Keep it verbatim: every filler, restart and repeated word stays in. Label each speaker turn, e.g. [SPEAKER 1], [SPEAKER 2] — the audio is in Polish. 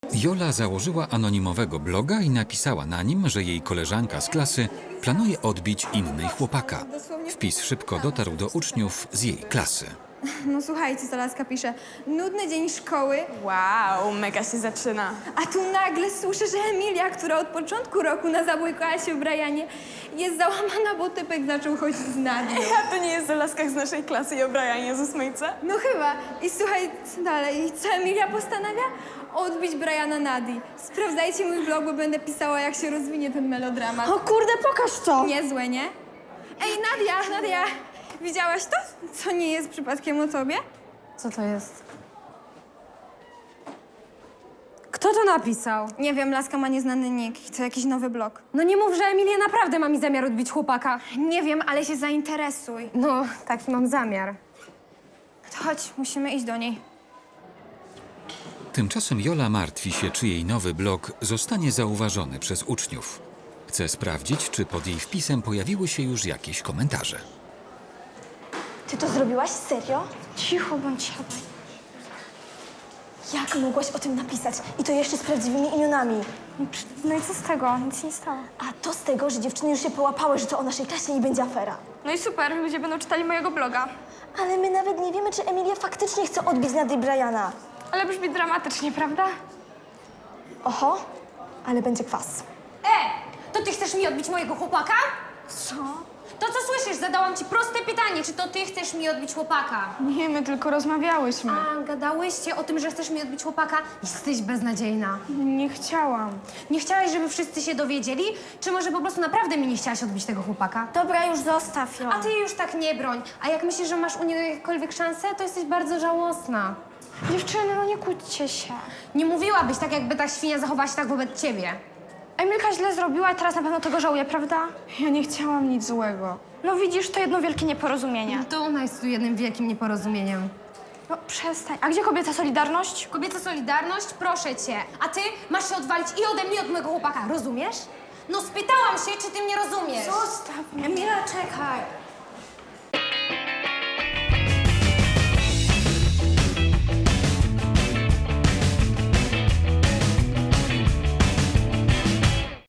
[SPEAKER 1] Jola założyła anonimowego bloga i napisała na nim, że jej koleżanka z klasy planuje odbić innej chłopaka. Wpis szybko dotarł do uczniów z jej klasy.
[SPEAKER 2] No słuchajcie, co laska pisze. Nudny dzień szkoły,
[SPEAKER 3] Wow, mega się zaczyna.
[SPEAKER 2] a tu nagle słyszę, że Emilia, która od początku roku nazabłykała się w Brianie, jest załamana, bo typek zaczął chodzić z Nadią.
[SPEAKER 3] A to nie jest o laskach z naszej klasy i o Brianie z ósmejce?
[SPEAKER 2] No chyba. I słuchaj, co dalej? Co Emilia postanawia? Odbić Briana Nadii. Sprawdzajcie mój blog, bo będę pisała, jak się rozwinie ten melodramat.
[SPEAKER 4] O kurde, pokaż to!
[SPEAKER 2] Niezłe, nie? Ej, Nadia, Nadia, widziałaś to? Co nie jest przypadkiem o tobie?
[SPEAKER 4] Co to jest? Kto to napisał?
[SPEAKER 2] Nie wiem, laska ma nieznany nick. To jakiś nowy blog.
[SPEAKER 4] No nie mów, że Emilia naprawdę ma mi zamiar odbić chłopaka.
[SPEAKER 2] Nie wiem, ale się zainteresuj.
[SPEAKER 4] No, taki mam zamiar.
[SPEAKER 2] To chodź, musimy iść do niej.
[SPEAKER 1] Tymczasem Jola martwi się, czy jej nowy blog zostanie zauważony przez uczniów. Chce sprawdzić, czy pod jej wpisem pojawiły się już jakieś komentarze.
[SPEAKER 5] Ty to zrobiłaś? Serio?
[SPEAKER 2] Cicho bądź, cicho.
[SPEAKER 5] Jak mogłaś o tym napisać? I to jeszcze z prawdziwymi imionami.
[SPEAKER 2] No i co z tego? Nic się nie stało.
[SPEAKER 5] A to z tego, że dziewczyny już się połapały, że to o naszej klasie i będzie afera.
[SPEAKER 2] No i super, ludzie będą czytali mojego bloga.
[SPEAKER 5] Ale my nawet nie wiemy, czy Emilia faktycznie chce odbić Nady Briana.
[SPEAKER 2] Ale brzmi dramatycznie, prawda?
[SPEAKER 5] Oho, ale będzie kwas.
[SPEAKER 4] E! To ty chcesz mi odbić mojego chłopaka?
[SPEAKER 2] Co?
[SPEAKER 4] To co słyszysz? Zadałam ci proste pytanie, czy to ty chcesz mi odbić chłopaka?
[SPEAKER 2] Nie, my tylko rozmawiałyśmy.
[SPEAKER 4] A, gadałyście o tym, że chcesz mi odbić chłopaka? Jesteś beznadziejna.
[SPEAKER 2] Nie chciałam.
[SPEAKER 4] Nie chciałaś, żeby wszyscy się dowiedzieli? Czy może po prostu naprawdę mi nie chciałaś odbić tego chłopaka?
[SPEAKER 2] Dobra, już zostaw ją.
[SPEAKER 4] A ty jej już tak nie broń. A jak myślisz, że masz u niej jakiekolwiek szansę, to jesteś bardzo żałosna.
[SPEAKER 2] Dziewczyny, no nie kłóćcie się.
[SPEAKER 4] Nie mówiłabyś tak, jakby ta świnia zachowała się tak wobec ciebie.
[SPEAKER 2] Emilka źle zrobiła, teraz na pewno tego żałuje, prawda? Ja nie chciałam nic złego. No widzisz, to jedno wielkie nieporozumienie.
[SPEAKER 4] To ona jest tu jednym wielkim nieporozumieniem.
[SPEAKER 2] No przestań. A gdzie kobieca solidarność?
[SPEAKER 4] Kobieca solidarność? Proszę cię. A ty masz się odwalić i ode mnie, i od mojego chłopaka, rozumiesz? No spytałam się, czy ty mnie rozumiesz.
[SPEAKER 2] Zostaw mnie. Emila, czekaj.